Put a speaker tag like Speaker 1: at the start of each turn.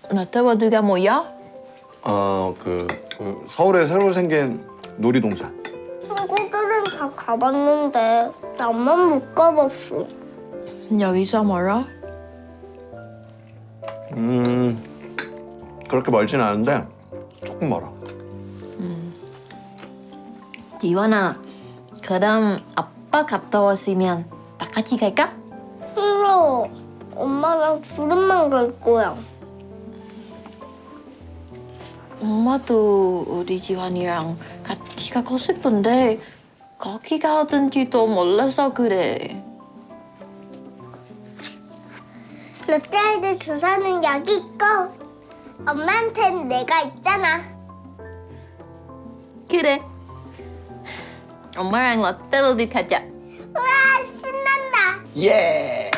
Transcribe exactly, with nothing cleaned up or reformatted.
Speaker 1: 롯데월드가 뭐야?
Speaker 2: 어, 그, 그 서울에 새로 생긴 놀이동산.
Speaker 3: 친구들은 다 가봤는데 나만 못 가봤어.
Speaker 1: 여기서 멀어?
Speaker 2: 음, 그렇게 멀진 않은데 조금 멀어.
Speaker 1: 지원아, 그럼 아빠 갔다 왔으면 다 같이 갈까?
Speaker 3: 싫어. 엄마랑 둘이만 갈 거야.
Speaker 1: 엄마도 우리 지원이랑 같이 가고 싶은데 거기 가든지도 몰라서 그래.
Speaker 3: 롯데월드 주소는 여기 있고 엄마한테는 내가 있잖아.
Speaker 1: 그래. 엄마랑 롯데월드 가자.
Speaker 3: 우와, 신난다.
Speaker 2: 예!